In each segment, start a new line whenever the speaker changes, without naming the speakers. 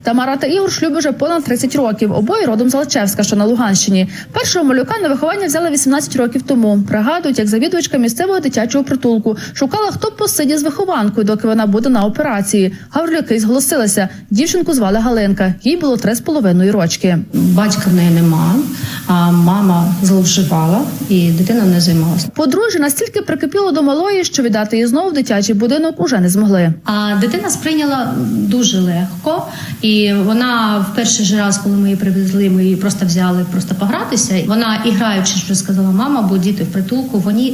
Тамара та Ігор шлюбі вже понад 30 років. Обоє родом з Алчевська, що на Луганщині. Першого малюка на виховання взяли 18 років тому. Пригадують, як завідувачка місцевого дитячого притулку шукала, хто посидє з вихованкою, доки вона буде на операції. Гаврилюки зголосилися. Дівчинку звали Галинка. Їй було 3,5 рочки.
Батька в неї нема, а мама зловживала і дитина не займалася.
Подружжя настільки прикипіло до малої, що віддати її знову в дитячий будинок уже не змогли.
А дитина сприйняла дуже легко. І вона в перший же раз, коли ми її привезли, ми її просто взяли погратися. Вона, іграючи, що сказала мама, бо діти в притулку, вони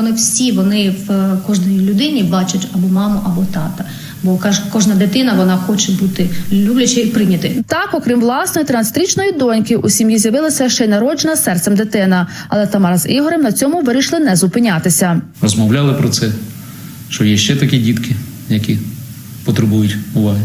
в кожній людині бачать або маму, або тата. Бо кожна дитина, вона хоче бути люблячою і прийнятою.
Так, окрім власної 13-річної доньки, у сім'ї з'явилася ще й народжена серцем дитина. Але Тамара з Ігорем на цьому вирішили не зупинятися.
Розмовляли про це, що є ще такі дітки, які потребують уваги.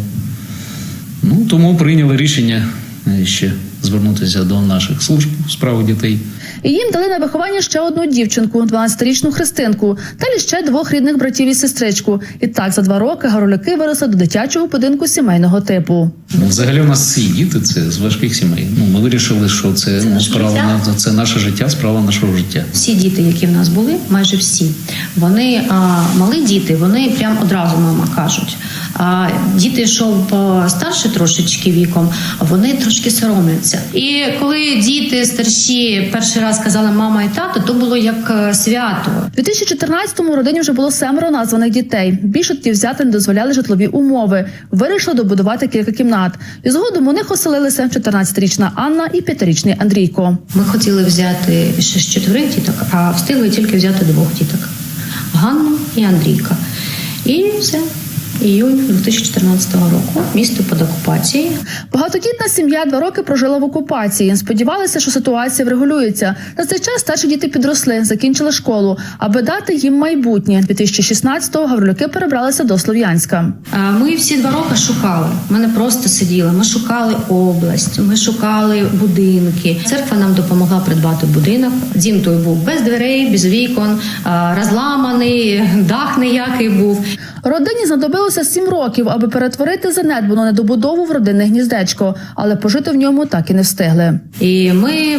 Тому прийняли рішення ще звернутися до наших служб у справах дітей.
І їм дали на виховання ще одну дівчинку, 12-річну Христинку, далі ще 2 рідних братів і сестричку. І так за 2 роки Гаврилюки виросли до дитячого будинку сімейного типу.
Взагалі у нас всі діти – це з важких сімей. Ми вирішили, що це наше життя, справа нашого життя.
Всі діти, які в нас були, майже всі, вони малі діти, вони прям одразу мама кажуть. А діти, що старші трошечки віком, вони трошки соромляться. І коли діти старші перший раз казали мама і тато, то було як свято.
У 2014-му родині вже було 7 названих дітей. Більше тоді взяти не дозволяли житлові умови. Вирішили добудувати кілька кімнат. І згодом у них оселилися 14-річна Анна і 5-річний Андрійко.
Ми хотіли взяти ще з 4 діток, а встигли тільки взяти 2 діток. Ганну і Андрійка. І все. Іюнь 2014 року. Місто під окупацією.
Багатодітна сім'я 2 роки прожила в окупації. Сподівалися, що ситуація врегулюється. На цей час старші діти підросли, закінчили школу. Аби дати їм майбутнє, 2016-го Гаврилюки перебралися до Слов'янська.
Ми всі 2 роки шукали. Ми не просто сиділи. Ми шукали область, ми шукали будинки. Церква нам допомогла придбати будинок. Дім той був без дверей, без вікон, розламаний, дах ніякий був.
Родині знадобилося 7 років, аби перетворити занедбану недобудову в родинне гніздечко, але пожити в ньому так і не встигли.
І ми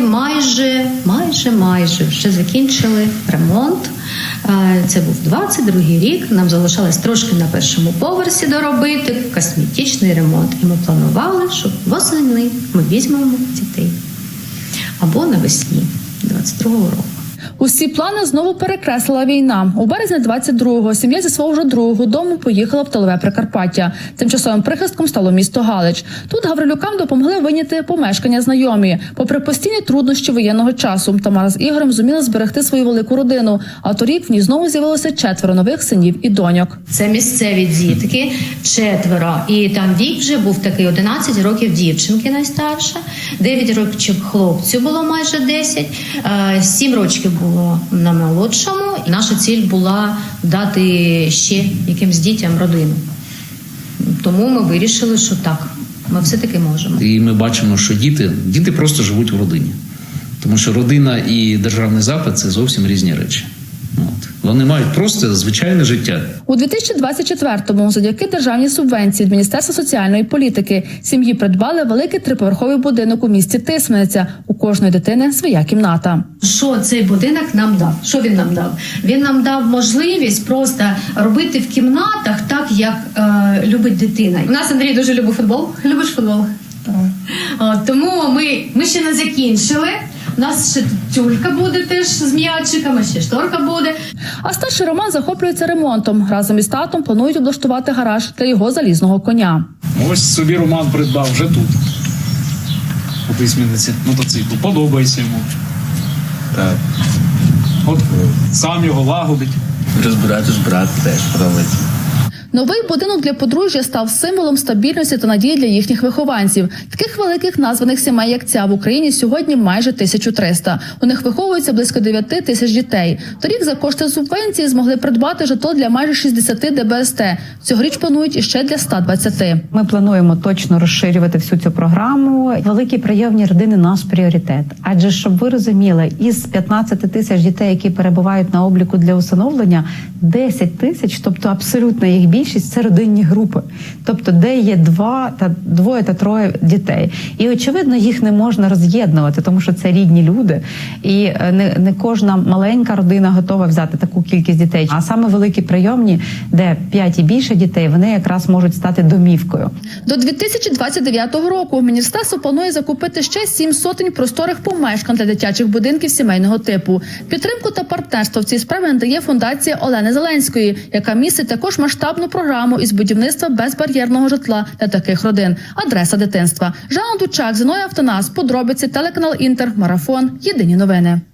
майже вже закінчили ремонт. Це був 22-й рік, нам залишалось трошки на першому поверсі доробити косметичний ремонт. І ми планували, що восени ми візьмемо дітей. Або навесні 22-го року.
Усі плани знову перекреслила війна. У березні 22-го сім'я зі свого вже другого дому поїхала в тилове Прикарпаття. Тимчасовим прихистком стало місто Галич. Тут Гаврилюкам допомогли вийняти помешкання знайомі. Попри постійні труднощі воєнного часу, Тамара з Ігорем зуміли зберегти свою велику родину. А торік в ній знову з'явилося 4 нових синів і доньок.
Це місцеві дітки, 4. І там вік вже був такий: 11 років дівчинки найстарша, 9 років хлопцю було майже 10, 7 років було на молодшому. І наша ціль була дати ще якимсь дітям родину. Тому ми вирішили, що так, ми все-таки можемо.
І ми бачимо, що діти просто живуть в родині. Тому що родина і державний запит – це зовсім різні речі. Вони мають просто звичайне життя.
У 2024-му завдяки державній субвенції від Міністерства соціальної політики сім'ї придбали великий 3-поверховий будинок у місті Тисмениця. У кожної дитини своя кімната.
Що цей будинок нам дав? Що він нам дав? Він нам дав можливість просто робити в кімнатах так, як любить дитина. У нас Андрій дуже любить футбол. Любиш футбол? Тому ми ще не закінчили. У нас ще тюлька буде теж з м'ячиками, ще шторка буде.
А старший Роман захоплюється ремонтом. Разом із татом планують облаштувати гараж для його залізного коня.
Ось собі Роман придбав вже тут. У Тисмениці мотоцикл. Подобається йому.
Так.
От сам його лагодить.
Розбирати брат теж подобається.
Новий будинок для подружжя став символом стабільності та надії для їхніх вихованців. Таких великих названих сімей, як ця, в Україні сьогодні майже 1300. У них виховується близько 9 тисяч дітей. Торік за кошти субвенції змогли придбати житло для майже 60 ДБСТ. Цьогоріч планують іще для 120.
Ми плануємо точно розширювати всю цю програму. Великі прийомні родини – наш пріоритет. Адже, щоб ви розуміли, із 15 тисяч дітей, які перебувають на обліку для усиновлення, 10 тисяч, тобто абсолютно їх більше, більшість це родинні групи, тобто де є двоє та троє дітей. І очевидно, їх не можна роз'єднувати, тому що це рідні люди, і не кожна маленька родина готова взяти таку кількість дітей. А саме великі прийомні, де 5 і більше дітей, вони якраз можуть стати домівкою.
До 2029 року міністерство планує закупити ще 7 сотень просторих помешкань для дитячих будинків сімейного типу. Підтримку та партнерство в цій справі надає фундація Олени Зеленської, яка містить також масштабну програму із будівництва безбар'єрного житла для таких родин. Адреса дитинства. Жанна Дучак, Зіновій Автонас, подробиці, телеканал Інтер, Марафон, Єдині новини.